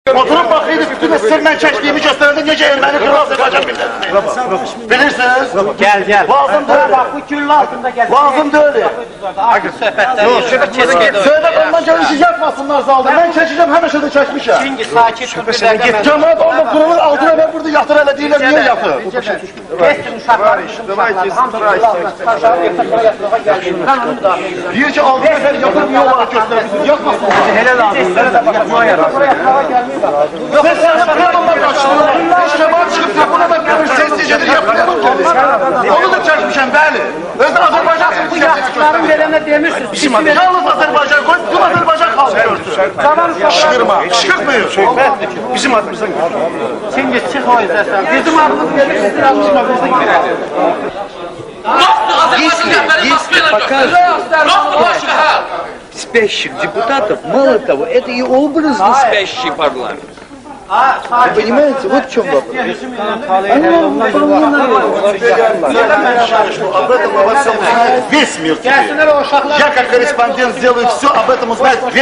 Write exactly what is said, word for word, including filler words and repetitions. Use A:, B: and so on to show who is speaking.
A: Oturup bakıydı, bütün sırmen çektiğimi gösterdi, nece Ermeni Kral Azerbaycan milletini. Bilirsiniz?
B: Gel gel.
A: Lazım değil.
B: Bak bu küllü altında gel.
A: Lazım değil.
B: Akıl söhbətlər yok.
A: Söyle ondan gelişi yapmasınlar zalda. Ben çekeceğim, hemen şurada çekmişim.
B: Çünkü sakin dur.
A: Cemaat orada kurulur, altına ben burada yatır hele değilim, niye yatır?
B: Geçsin uşaqlar, bizim uşaqlar. Hamısı kulağına çıkarşarı yatırmaya yatırmaya geldi. Ben onu müdafiə ediyorum.
A: Deyir ki, altına ben yatır, niye olarak göstermişsiniz? Yapmasınlar.
B: Hele lazım. Hele de bakmaya yarar.
A: Sen sen kırılma karşılığında. Cemaat çıkıp kapına da görür, sessizcedir yapıyor. Onu da çekmişim, bəli. Özde Azerbaycan
B: Bu yaşlıların verene demirsiniz. Bizim
A: yalnız Azerbaycan koyup, bütün Azerbaycan halkı görsün.
B: Şıkırma.
A: Şıkırtmıyor.
B: Bizim adımızdan gel. Şimdi çık o yüzden sen. Bizim adımız gelir, sizin adımızdan gel.
C: Если покажут спящих депутатов, мало того, это и образно спящий парламент. Понимаете, вот в чем вопрос.
A: Об этом обо всем узнает весь мир теперь. Я как корреспондент сделаю все, об этом узнает